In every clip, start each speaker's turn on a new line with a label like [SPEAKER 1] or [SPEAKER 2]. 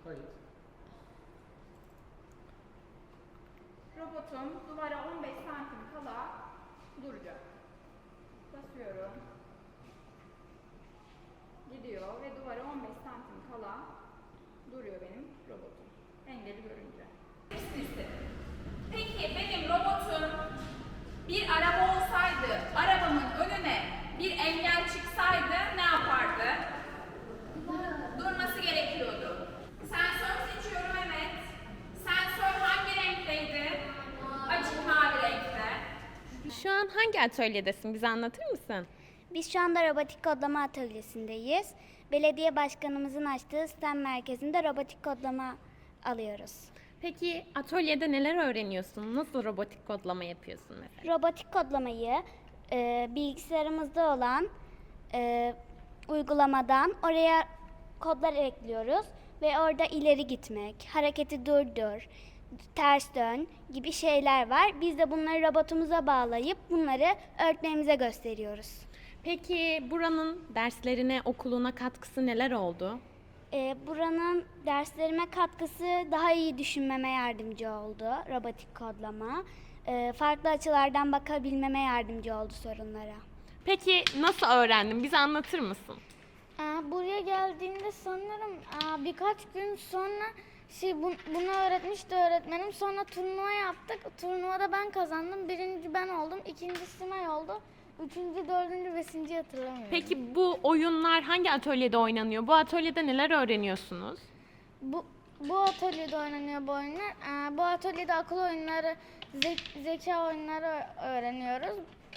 [SPEAKER 1] Kayıt.
[SPEAKER 2] Robotum duvara 15 santim kala duracak. Basıyorum. Gidiyor ve duvara 15 santim kala duruyor benim robotum. Engeli görünce. Peki benim robotum bir araba olsaydı, arabamın önüne bir engel çıksaydı ne yapardı? Durması gerekiyordu. Sensör seçiyorum, evet. Sensör hangi renkteydi? Açık mavi renkte.
[SPEAKER 3] Şu an hangi atölyedesin? Bize anlatır mısın?
[SPEAKER 4] Biz şu anda robotik kodlama atölyesindeyiz. Belediye başkanımızın açtığı STEM merkezinde robotik kodlama alıyoruz.
[SPEAKER 3] Peki atölyede neler öğreniyorsun? Nasıl robotik kodlama yapıyorsun mesela?
[SPEAKER 4] Robotik kodlamayı bilgisayarımızda olan uygulamadan oraya kodlar ekliyoruz ve orada ileri gitmek, hareketi durdur, ters dön gibi şeyler var. Biz de bunları robotumuza bağlayıp bunları öğretmenimize gösteriyoruz.
[SPEAKER 3] Peki buranın derslerine, okuluna katkısı neler oldu?
[SPEAKER 4] Buranın derslerime katkısı daha iyi düşünmeme yardımcı oldu robotik kodlama. Farklı açılardan bakabilmeme yardımcı oldu sorunlara.
[SPEAKER 3] Peki nasıl öğrendin? Bize anlatır mısın?
[SPEAKER 5] Buraya geldiğimde sanırım birkaç gün sonra bunu öğretmişti öğretmenim. Sonra turnuva yaptık. Turnuvada ben kazandım. Birinci ben oldum. İkinci Simay oldu. Üçüncü, dördüncü, beşinci hatırlamıyorum.
[SPEAKER 3] Peki bu oyunlar hangi atölyede oynanıyor? Bu atölyede neler öğreniyorsunuz?
[SPEAKER 5] Bu atölyede oynanıyor bu oyunlar. Bu atölyede akıl oyunları, zeka oyunları öğreniyoruz.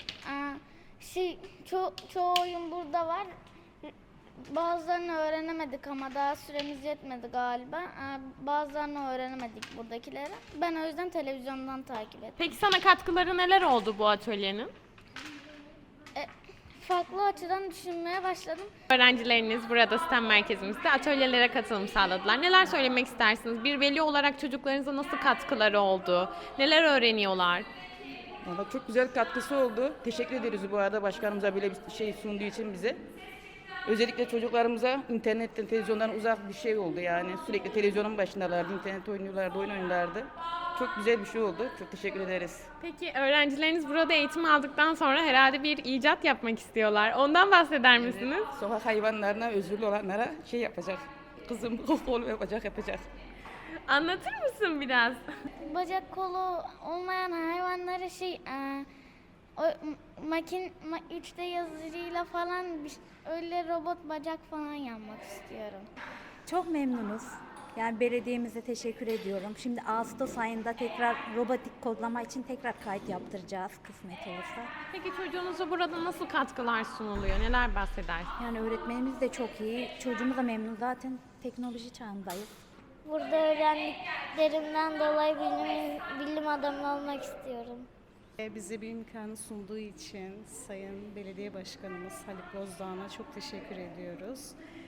[SPEAKER 5] Çoğu oyun burada var. Bazılarını öğrenemedik ama daha süremiz yetmedi galiba. Bazılarını öğrenemedik buradakileri. Ben o yüzden televizyondan takip ettim.
[SPEAKER 3] Peki sana katkıları neler oldu bu atölyenin?
[SPEAKER 5] Farklı açıdan düşünmeye başladım.
[SPEAKER 3] Öğrencileriniz burada STEM merkezimizde atölyelere katılım sağladılar. Neler söylemek istersiniz? Bir veli olarak çocuklarınıza nasıl katkıları oldu? Neler öğreniyorlar?
[SPEAKER 6] Valla çok güzel katkısı oldu. Teşekkür ederiz bu arada başkanımıza böyle bir şey sunduğu için bize. Özellikle çocuklarımıza internetten, televizyondan uzak bir şey oldu yani. Sürekli televizyonun başındalardı, internet oynuyorlardı, oyun oynuyorlardı. Çok güzel bir şey oldu. Çok teşekkür ederiz.
[SPEAKER 3] Peki öğrencileriniz burada eğitim aldıktan sonra herhalde bir icat yapmak istiyorlar. Ondan bahseder misiniz?
[SPEAKER 6] Evet, sokak hayvanlarına, özürlü olanlara şey yapacak. Kızım kol yapacak.
[SPEAKER 3] Anlatır mısın biraz?
[SPEAKER 5] Bacak kolu olmayan hayvanlara 3D yazıcıyla falan öyle robot bacak falan yapmak istiyorum.
[SPEAKER 7] Çok memnunuz. Yani belediyemize teşekkür ediyorum. Şimdi Ağustos ayında tekrar robotik kodlama için tekrar kayıt yaptıracağız kısmet olursa.
[SPEAKER 3] Peki çocuğunuza burada nasıl katkılar sunuluyor? Neler bahsedersiniz?
[SPEAKER 7] Yani öğretmenimiz de çok iyi. Çocuğumuz da memnun. Zaten teknoloji çağındayız.
[SPEAKER 5] Burada öğrendiklerimden dolayı bilim adamı olmak istiyorum.
[SPEAKER 8] Bize bir imkanı sunduğu için Sayın Belediye Başkanımız Haluk Bozdağ'a çok teşekkür ediyoruz.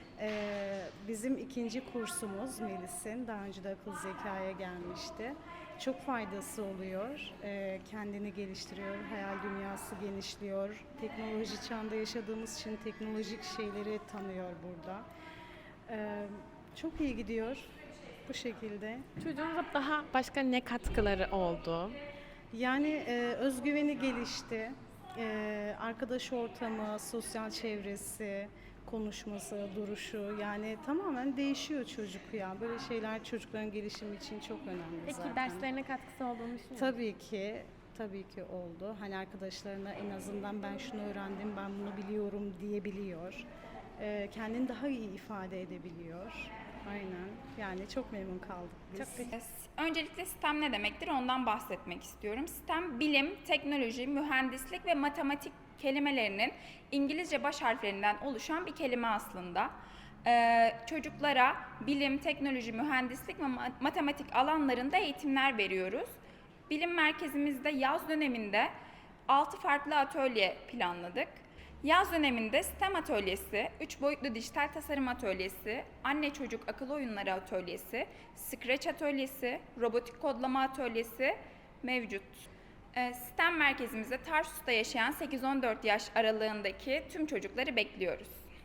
[SPEAKER 8] Bizim ikinci kursumuz Melis'in daha önce de akıl zekaya gelmişti. Çok faydası oluyor. Kendini geliştiriyor, hayal dünyası genişliyor. Teknoloji çağında yaşadığımız için teknolojik şeyleri tanıyor burada. Çok iyi gidiyor bu şekilde.
[SPEAKER 3] Çocuğunuza daha başka ne katkıları oldu?
[SPEAKER 8] Yani özgüveni gelişti, arkadaş ortamı, sosyal çevresi, konuşması, duruşu yani tamamen değişiyor çocuk ya. Böyle şeyler çocukların gelişimi için çok önemli
[SPEAKER 3] Peki
[SPEAKER 8] zaten.
[SPEAKER 3] derslerine katkısı olduğunu düşünüyor musun?
[SPEAKER 8] Tabii ki oldu. Hani arkadaşlarına en azından ben şunu öğrendim, ben bunu biliyorum diyebiliyor. Kendini daha iyi ifade edebiliyor. Aynen. Yani çok memnun kaldık biz.
[SPEAKER 2] Öncelikle STEM ne demektir ondan bahsetmek istiyorum. STEM bilim, teknoloji, mühendislik ve matematik kelimelerinin İngilizce baş harflerinden oluşan bir kelime aslında. Çocuklara bilim, teknoloji, mühendislik ve matematik alanlarında eğitimler veriyoruz. Bilim merkezimizde yaz döneminde 6 farklı atölye planladık. Yaz döneminde STEM atölyesi, 3 boyutlu dijital tasarım atölyesi, anne çocuk akıl oyunları atölyesi, Scratch atölyesi, robotik kodlama atölyesi mevcut. STEM merkezimize Tarsus'ta yaşayan 8-14 yaş aralığındaki tüm çocukları bekliyoruz.